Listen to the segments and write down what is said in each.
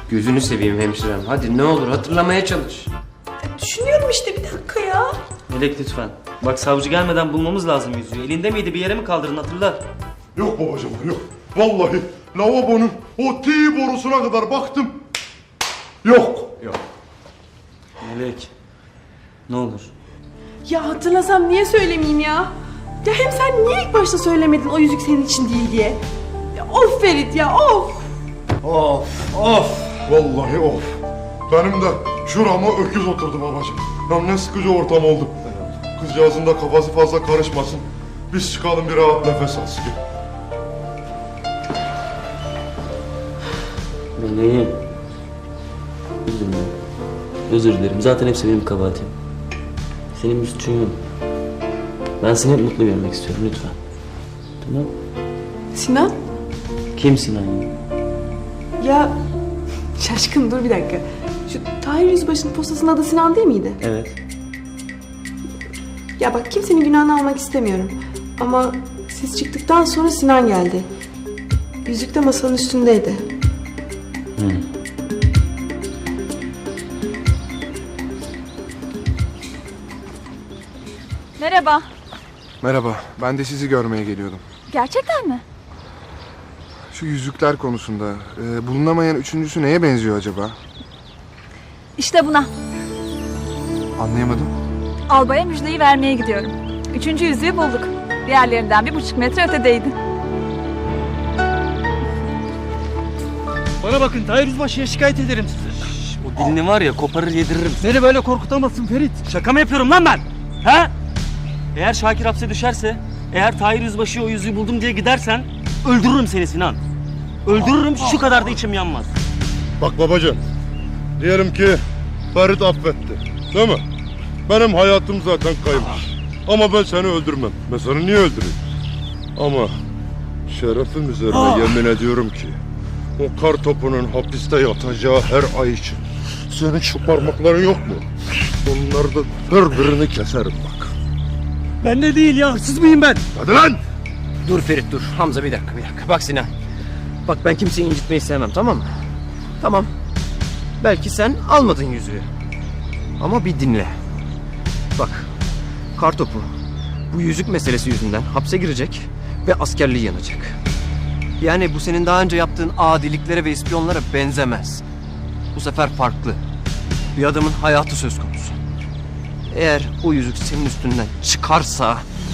Gözünü seveyim hemşirem. Hadi ne olur hatırlamaya çalış. Düşünüyorum işte, bir dakika ya. Melek lütfen. Bak savcı gelmeden bulmamız lazım yüzüğü. Elinde miydi, bir yere mi kaldırdın, hatırla. Yok babacığım, yok. Vallahi lavabonun o T borusuna kadar baktım. Yok. Melek. Ne olur. Ya hatırlasam niye söylemeyeyim ya? Ya hem sen niye ilk başta söylemedin o yüzük senin için değil diye? Ya of Ferit ya, of! Vallahi of. Benim de şurama öküz oturdu babacığım. Ya ne sıkıcı ortam oldu. Kızcağızın da kafası fazla karışmasın. Biz çıkalım, bir rahat nefes alsın. Meleğim. Üzülme. Özür dilerim. Zaten hepsi benim kabahatim. Senin bir suçun yok. Ben seni hep mutlu görmek istiyorum, lütfen. Tamam. Sinan? Kim Sinan ya? Ya şaşkın, dur bir dakika. Şu Tahir Yüzbaşı'nın postasının adı Sinan değil miydi? Evet. Ya bak, kimsenin günahını almak istemiyorum. Ama siz çıktıktan sonra Sinan geldi. Yüzük de masanın üstündeydi. Merhaba. Merhaba, ben de sizi görmeye geliyordum. Gerçekten mi? Şu yüzükler konusunda bulunamayan üçüncüsü neye benziyor acaba? İşte buna. Anlayamadım. Albaya müjdeyi vermeye gidiyorum. 3. yüzüğü bulduk. Diğerlerinden 1,5 metre ötedeydi. Bana bakın, Tahir Yüzbaşı'ya şikayet ederim sizi. O dilini var ya, koparır yediririm. Beni böyle korkutamazsın Ferit. Şaka mı yapıyorum lan ben? He? Eğer Şakir hapse düşerse, eğer Tahir Yüzbaşı'ya o yüzüğü buldum diye gidersen öldürürüm seni Sinan. Öldürürüm, şu kadar da içim yanmaz. Bak babacığım, diyelim ki Ferit affetti, değil mi? Benim hayatım zaten kaymış. Ama ben seni öldürmem. Ben seni niye öldüreyim? Ama şerefim üzerine yemin ediyorum ki o kar topunun hapiste yatacağı her ay için senin şu parmakların yok mu? Onları da her birini keserim bak. Ben de değil ya, hırsız mıyım ben? Hadi lan! Dur Ferit dur. Hamza bir dakika. Bak Sinan. Bak ben kimseyi incitmeyi sevmem, tamam mı? Tamam. Belki sen almadın yüzüğü. Ama bir dinle. Bak. Kartopu bu yüzük meselesi yüzünden hapse girecek ve askerliği yanacak. Yani bu senin daha önce yaptığın adiliklere ve ispiyonlara benzemez. Bu sefer farklı. Bir adamın hayatı söz konusu. Eğer o yüzük senin üstünden çıkarsa...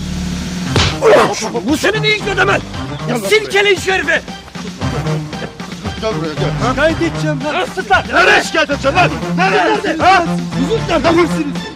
Bu seni ne ilgilenemez? Silkeleyin şu herifi! Gel buraya gel. Şikayet edeceğim lan. Nereye şikayet edeceksin lan? Nereye? Yüzük nerede? Hırsınız.